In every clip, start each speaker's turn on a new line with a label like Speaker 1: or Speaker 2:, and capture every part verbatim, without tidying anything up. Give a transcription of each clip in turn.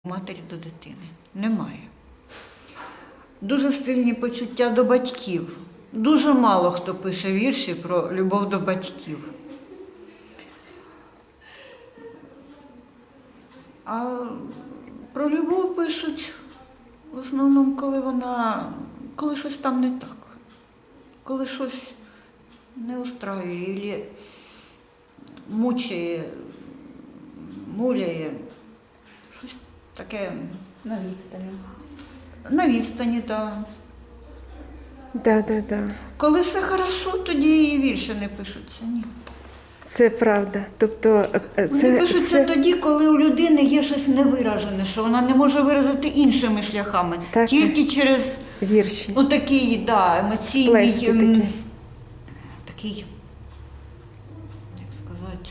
Speaker 1: матері до дитини. Немає. Дуже сильні почуття до батьків. Дуже мало хто пише вірші про любов до батьків. А про любов пишуть в основному, коли вона, коли щось там не так, коли щось не устраює, або мучає, муляє, щось таке
Speaker 2: На відстані.
Speaker 1: на відстані, так.
Speaker 3: Да, да, да.
Speaker 1: Коли все хорошо, тоді і вірші не пишуться, ні.
Speaker 3: Це правда. Тобто, е,
Speaker 1: Вони
Speaker 3: це,
Speaker 1: пишуться
Speaker 3: це...
Speaker 1: тоді, коли у людини є щось невиражене, що вона не може виразити іншими шляхами,
Speaker 3: Так.
Speaker 1: тільки через
Speaker 3: вірші.
Speaker 1: ну, такий, да, емоційний,
Speaker 3: Сплески
Speaker 1: ем,
Speaker 3: такі.
Speaker 1: такий, як сказати,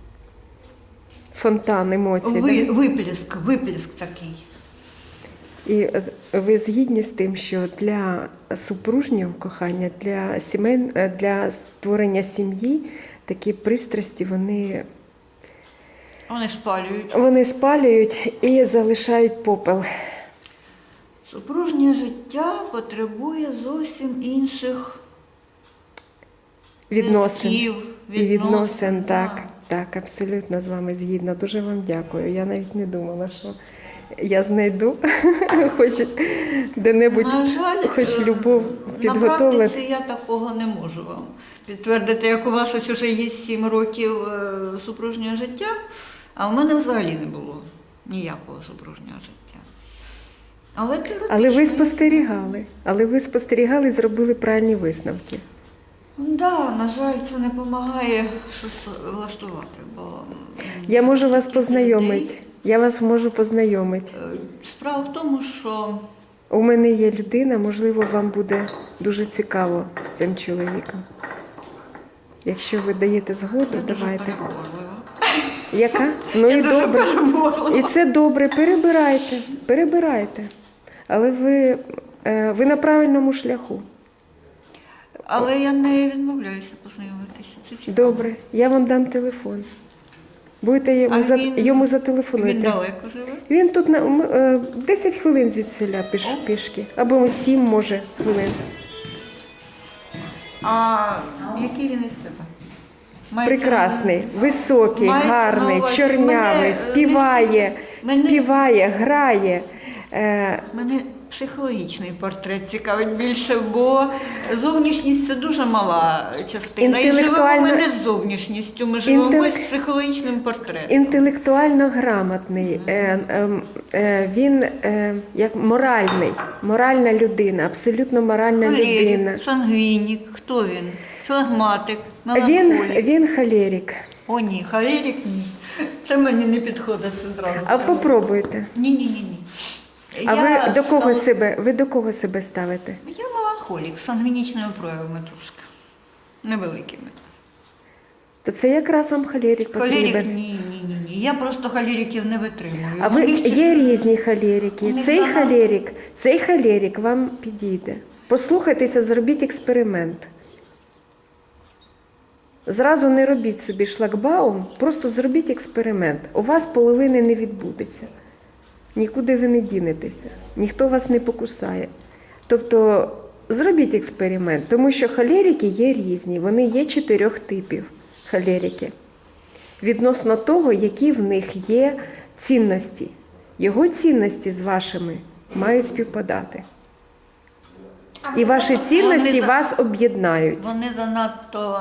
Speaker 3: Фонтан емоцій.
Speaker 1: ви,
Speaker 3: Да?
Speaker 1: виплеск, виплеск такий.
Speaker 3: І е, ви згідні з тим, що для супружнього кохання, для сімей, е, для створення сім'ї такі пристрасті, вони,
Speaker 1: Вони спалюють.
Speaker 3: вони спалюють і залишають попел.
Speaker 1: Супружнє життя потребує зовсім інших
Speaker 3: Відносин.
Speaker 1: зв'язків,
Speaker 3: І відносин,
Speaker 1: да.
Speaker 3: так, так, абсолютно з вами згідна. Дуже вам дякую. Я навіть не думала, що я знайду хоч де-небудь,
Speaker 1: На жаль,
Speaker 3: хоч
Speaker 1: е,
Speaker 3: любов
Speaker 1: на
Speaker 3: підготовлена.
Speaker 1: практиці я такого не можу вам підтвердити, як у вас ось уже є сім років е, супружнього життя, а в мене взагалі не було ніякого супружнього життя. Але,
Speaker 3: Але ви
Speaker 1: теоретично-
Speaker 3: спостерігали, але ви спостерігали і зробили правильні висновки.
Speaker 1: Да, на жаль, це не допомагає щось влаштувати, бо м,
Speaker 3: Я можу вас
Speaker 1: таких
Speaker 3: познайомити.
Speaker 1: людей,
Speaker 3: Я вас можу познайомити.
Speaker 1: е, Справа в тому, що
Speaker 3: У мене є людина, можливо, вам буде дуже цікаво з цим чоловіком. Якщо ви даєте згоду,
Speaker 1: я дуже
Speaker 3: давайте.
Speaker 1: переборлива.
Speaker 3: Яка? Ну
Speaker 1: Я
Speaker 3: і
Speaker 1: дуже
Speaker 3: добре.
Speaker 1: переборлива.
Speaker 3: І це добре. Перебирайте, перебирайте. Але ви, е, ви на правильному шляху.
Speaker 1: Але я не відмовляюся познайомитися. Це цікаво.
Speaker 3: Добре, я вам дам телефон. Будете йому,
Speaker 1: А
Speaker 3: за,
Speaker 1: він-
Speaker 3: йому зателефонуєте.
Speaker 1: Він далеко живе?
Speaker 3: Він тут на м, е, десять хвилин звідсіля піш, пішки. Або сім, може, хвилин.
Speaker 1: А який він із себе? Мається
Speaker 3: Прекрасний,
Speaker 1: на-
Speaker 3: високий,
Speaker 1: мається на
Speaker 3: гарний,
Speaker 1: увазі,
Speaker 3: чорнявий,
Speaker 1: мене, е,
Speaker 3: співає,
Speaker 1: мене-
Speaker 3: співає, грає. Е,
Speaker 1: Мене психологічний портрет цікавить більше, бо зовнішність це дуже мала частина. І живемо
Speaker 3: Інтелектуально-
Speaker 1: ми не з зовнішністю, ми живемо
Speaker 3: Інтелек-
Speaker 1: з психологічним портретом.
Speaker 3: інтелектуально грамотний, е, е, е, він е, як моральний, моральна людина, абсолютно моральна людина.
Speaker 1: Холерик, сангвінік, хто він? Флегматик,
Speaker 3: Він,
Speaker 1: меланхолік.
Speaker 3: він холерик.
Speaker 1: О ні, холерик ні. Це мені не підходить, це зразу.
Speaker 3: А попробуйте.
Speaker 1: Ні-ні-ні.
Speaker 3: А ви до кого
Speaker 1: стала-
Speaker 3: себе, ви до кого себе ставите?
Speaker 1: Я меланхолік з сангвінічними проявами трошки. Невеликими.
Speaker 3: То це якраз вам холерик
Speaker 1: Холерик
Speaker 3: потрібен.
Speaker 1: ні, ні, ні, ні. Я просто холериків не витримую.
Speaker 3: А
Speaker 1: У
Speaker 3: ви
Speaker 1: них
Speaker 3: є
Speaker 1: чотири-
Speaker 3: різні холерики.
Speaker 1: Вони
Speaker 3: Цей
Speaker 1: багато.
Speaker 3: холерик, цей холерик вам підійде. Послухайтеся, зробіть експеримент. Зразу не робіть собі шлагбаум, просто зробіть експеримент. У вас половини не відбудеться. Нікуди ви не дінетеся, ніхто вас не покусає. Тобто зробіть експеримент, тому що холерики є різні, вони є чотирьох типів холерики. Відносно того, які в них є цінності. Його цінності з вашими мають співпадати. І ваші цінності
Speaker 1: Вони за-
Speaker 3: вас об'єднають.
Speaker 1: Вони занадто.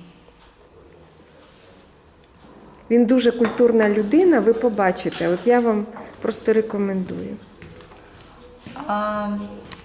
Speaker 3: Він дуже культурна людина, ви побачите. От я вам просто рекомендую.
Speaker 1: А,